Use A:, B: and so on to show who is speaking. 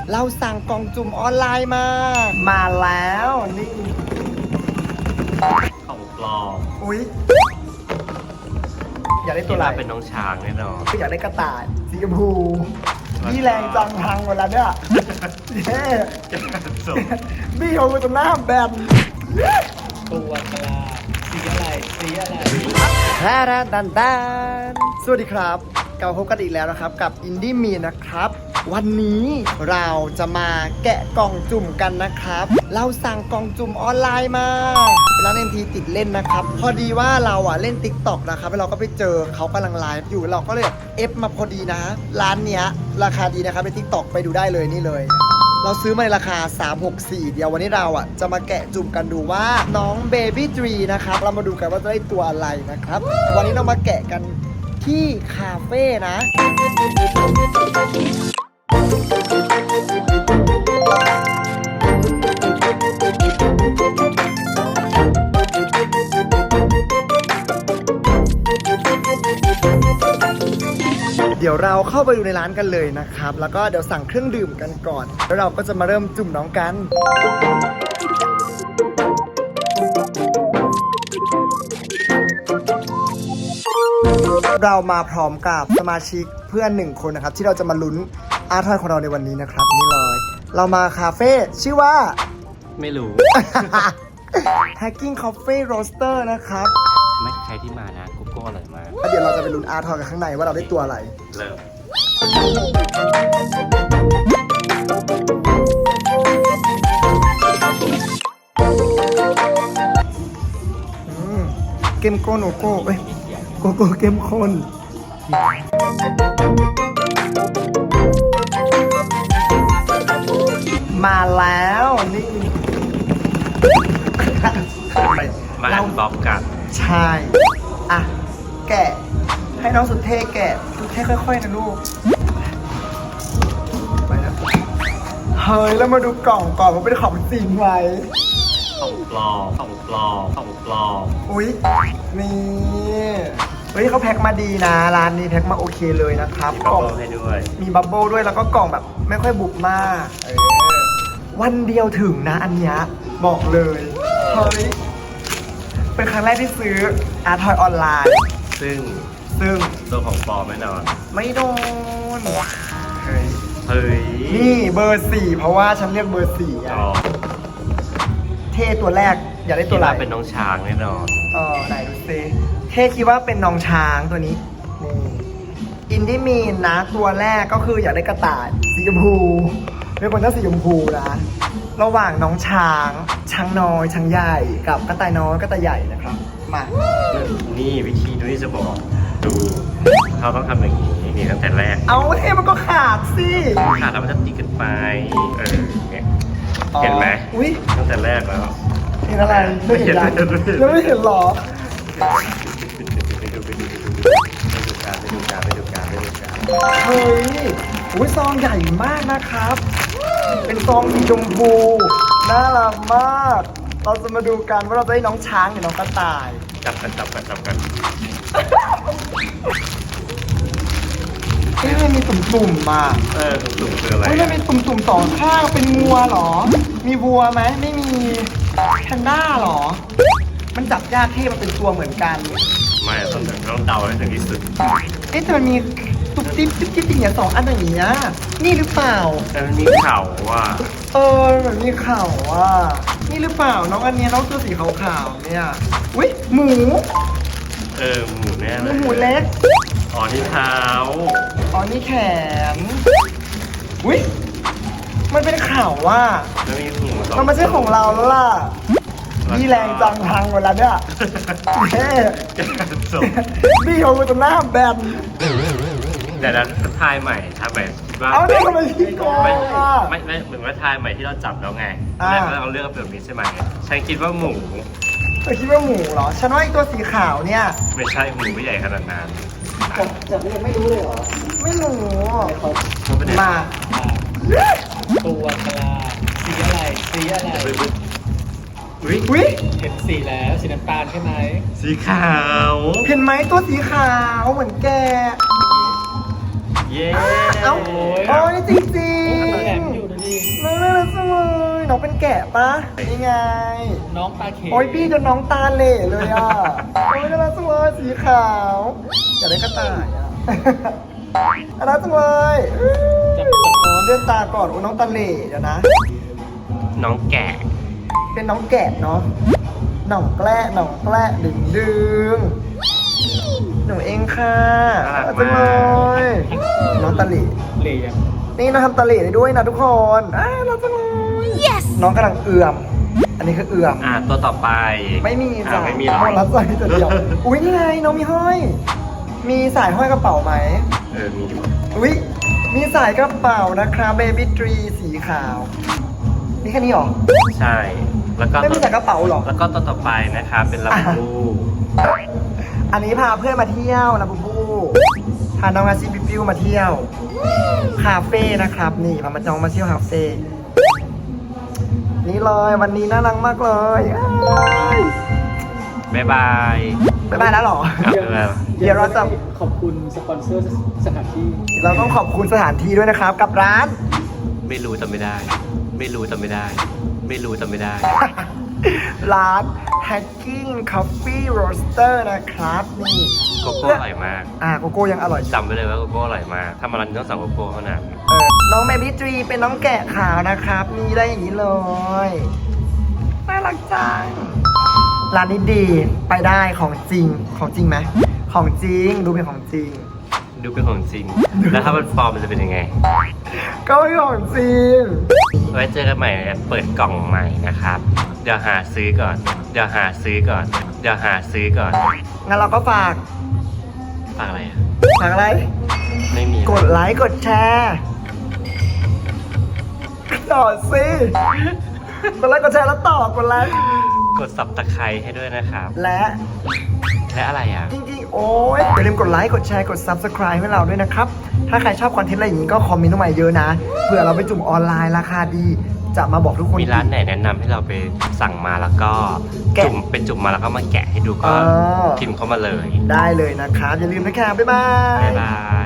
A: เราสั่งกล่องจุ่มออนไลน์มาแล้วนี่
B: ของปลอม
A: อุ๊ยอยากได้ตัวอะไร
B: เป็นน้องช้างแน่นอน
A: อยากได้กระต่ายสีชมพูพี่แรงจังพังหมดแล้วเนี่ยเย้พี่เอาไปตรงหน้าแบน
C: ตัวกลาสีอะไร
A: แท้ดันสวัสดีครับกลับมาพบกันอีกแล้วนะครับกับอินดี้มีนะครับวันนี้เราจะมาแกะกล่องจุ่มกันนะครับเราสั่งกล่องจุ่มออนไลน์มาร้านNTติดเล่นนะครับพอดีว่าเราเล่น TikTok นะครับแล้วเราก็ไปเจอเขากำลังไลฟ์อยู่เราก็เลยเอฟมาพอดีนะร้านเนี้ยราคาดีนะครับใน TikTok ไปดูได้เลยนี่เลยเราซื้อมาในราคา364เดี๋ยววันนี้เราจะมาแกะจุ่มกันดูว่าน้อง Baby Tree นะครับเรามาดูกันว่าจะได้ตัวอะไรนะครับวันนี้เรามาแกะกันที่คาเฟ่นะเดี๋ยวเราเข้าไปดูในร้านกันเลยนะครับแล้วก็เดี๋ยวสั่งเครื่องดื่มกันก่อนแล้วเราก็จะมาเริ่มจุ่มน้องกันเรามาพร้อมกับสมาชิกเพื่อน1คนนะครับที่เราจะมาลุ้นอาร์ทอยของเราในวันนี้นะครับนี่เลยเรามาคาเฟ่ชื่อว่า
B: ไม่รู้
A: Hacking Coffee Roaster นะครับ
B: ไม่ใครที่มานะโกโก้อร่อยมาก
A: แล้วเดี๋ยวเราจะไปลุ้นอาร์ทอยกันข้างในว่าเราได้ตัวอะไร
B: เริ่ม
A: เกมโกโนโก้โกโก้เกมคนมาแล้วนี่
B: มาอันบ็อกกัน
A: ใช่อ่ะแกะให้น้องสุดเท่แกะสุดเท่ค่อยๆนะลูกไปนะเฮ้ยแล้วมาดูกล่องก่อนว่าเป็นของจริงไหม
B: ของปลอม
A: อุ๊ยนี่เฮ้ยเขาแพ็คมาดีนะร้านนี้แพ็คมาโอเคเลยนะครับ
B: มีบับเบิ้ลให้ด้วย
A: มีบับเบิ้ลด้วยแล้วก็กล่องแบบไม่ค่อยบุบมากวันเดียวถึงนะอันเนี้ยบอกเลยเฮ้ยเป็นครั้งแรกที่ซื้ออาร์ทอยออนไลน์
B: ซึ่งตัวของปลอมแน่นอน
A: ไม่โดนเฮ้ยนี่เบอร์ 4เพราะว่าฉันเรียกเบอร์ 4เท่ตัวแรกอยากได้ตัวอะไร
B: เป็นน้องช้างแน่นอน
A: ไหนดูซิเท่คิดว่าเป็นน้องช้างตัวนี้อินดี้มีนนะตัวแรกก็คืออยากได้กระต่ายสีชมพูเป็นคนชอบสีชมพูนะระหว่างน้องช้างน้อยช้างใหญ่กับกระต่ายน้อยกระต่ายใหญ่นะครับมา
B: นี่วิธีดูที่จะบอกดูเขาต้องทำอย่างนี้นี่ตั้งแต่แรก
A: เอาเท่มันก็ขาดสิ
B: ขาดแล้วมันจะตีกันไปเห็นไหมตั้งแต่แรกแล้ว
A: เห็นอะไรไม่เห็นยังไม่เห็นหรอ
B: ไปดูการ
A: เฮ้ยอุ้ยซองใหญ่มากนะครับเป็นซองสีชมพูน่ารักมากเราจะมาดูกันว่าเราจะได้น้องช้างหรือน้องกระต่าย
B: จับกัน
A: มันมีตุ่มๆมา
B: ตุ่มคืออะไร
A: มันมีตุ่มๆสองข้างเป็นงัวหรอมีวัวไหมไม่มีแพนด้าหรอมันจับยากที่มันเป็นตัวเหมือนกัน
B: ไม่ต้องเดาให้ถึงที่สุด
A: แต่มันมีตุ๊บติ๊บอย่างเงี้ย2 อันอย่างเงี้ยนี่หรือเปล่า
B: แต่มันมีเข่าว่ะ
A: มันมีเข่าว่ะนี่หรือเปล่าน้องอันนี้น้องตัวสีขาวๆเนี่ยอุ้ยหมู
B: หมูแน่เลย
A: หมูเล็ก
B: นี่เท้า
A: นี่แขนอุ้ยมันเป็นเข่าว่ะมันไม่ใช่ของเราแล้วล่ะพี่แรงจังพังหมดแล้วเนี่ยพี่เอาไปตรงหน้าแบน
B: แต่แล้วทายใหม่คิดว่า
A: เอาเนี่ยทำไมพี่โกง
B: ไม่เหมือนว่าทายใหม่ที่เราจับแล้วไงแล้วเราเลือกแบบนี้ใช่ไหมฉันคิดว่าหมู
A: คิดว่าหมูเหรอฉันว่าไอ้ตัวสีขาวเนี่ย
B: ไม่ใช่หมูไม่ใหญ่ขนาดนั้น
A: แต่ยังไม่รู้เลยเหรอไม่รู้มา
C: ตัวกลาสีอะไร
A: อุ๊ย
C: เห็นสีแล้วสีน้ำตาลใช่ไหม
B: สีขาว
A: เห็นไหมตัวสีขาวเหมือนแก
B: เย้
A: นี่จริงแกะปะนี่ไง
C: น้องปลาเค็ม
A: โอ้ยพี่จนน้องตาเหล่เลยอ่ะ โอ้ยน่ารักจังเลยสีขาว อยากได้กระต่ายอ่ะ น่ารักจังเลย
C: จับ
A: อ๋อเลื่อนตาก่อนโอ้ยน้องตาเหล่เดี๋ยวนะ
B: น้องแกะ
A: เป็นน้องแกะเนาะหน่องแกล้ดึงหนูเองค่ะ
B: น่ารัก
A: จังเล
B: มาก
A: ยน้องตาเหล่
C: เหลี่ยม
A: นี่เราทำตาเหล่ได้ด้วยนะทุกคนน่ารักจังเลย น้องกำลังเอื่อม อันนี้คือเอื่อม
B: ตัวต่อไป
A: ไม่มีจ้ะ
B: ไม่มีหรอ
A: หมดรับใส่แต่เดียว อุ้ยนี่ไงน้องมีห้อย มีสายห้อยกระเป๋าไหม
B: มีอยู่
A: อุ้ยมีสายกระเป๋านะครับเบบี้ทรีสีขาว นี่แค่นี้หรอ
B: ใช่ แล้วก็
A: ไม่มีสายกระเป๋าหรอ
B: แล้วก็ตัวต่อไปนะครับเป็นลาบูบู
A: อันนี้พาเพื่อนมาเที่ยวนะบูบูพาน้องอาชิปิปิวมาเที่ยว คาเฟ่นะครับ นี่พามาจองมาเที่ยวคาเฟ่ นี่เลยวันนี้น่ารักมากเลยอ้าย
B: บ๊ายบาย
A: บ๊ายบายแล้วเหรอ
B: ครับบ๊ายบาย
A: เดี๋ยวเราจะ
C: ขอบคุณสปอนเซอร์สถานที่
A: เราต้องขอบคุณสถานที่ด้วยนะครับ กับร้าน
B: ไม่รู้จำไม่ได้ ไม่รู้จำไม่ได้ ไม่รู้จำไม่ได้
A: ร้าน Hacking Coffee Roaster นะครับนี่
B: โกโก้อร่อยมาก
A: โกโก้ยังอร่อย
B: จำไว้เลยว่าโกโก้อร่อยมาก ถ้ามาร้านนี้ต้องสั่งโกโก้เท่านั้น
A: น้องเบบี้ทรีเป็นน้องแกะขาวนะครับมีได้อย่างนี้เลยน่ารักจังร้านนี้ดีไปได้ของจริงไหมของจริงดูเป็นของจริง
B: ดูเป็นของจริง แล้วถ้ามันปลอมมันจะเป็นยังไง
A: ก็ไม่ของจริง
B: ไว้เจอกันใหม่เปิดกล่องใหม่นะครับ เดี๋ยวหาซื้อก่อน เดี๋ยวหาซื้อก่อน เดี๋ยวหาซื้อก่อน
A: งั้นเราก็ฝาก
B: ฝากอะไรอ่ะ
A: อะไร
B: ไม่มี
A: กดไลค์กดแชร์ต่อสิกดไลค์กดแชร์แล้วต่อกดไลค์
B: กดสับตะไคร้ให้ด้วยนะครับ
A: และ
B: และอะไรอ่ะ
A: จริงๆ โอ้ยอย่าลืมกดไลค์ กดแชร์ กด Subscribe ให้เราด้วยนะครับ ถ้าใครชอบคอนเทนต์อะไรอย่างนี้ก็คอมเมนต์มาเยอะนะ เผื่อเราไปจุ่มออนไลน์ราคาดี จะมาบอกทุกคน
B: มีร้านไหนแนะนำให้เราไปสั่งมาแล้วก็
A: แกะ
B: จุ่มเป็นจุ่มมาแล้วก็มาแกะให้ดูก็
A: เออ
B: พิมพ์เข้ามาเลย
A: ได้เลยนะครับ อย่าลืมนะครับ บ๊ายบาย
B: บ๊ายบาย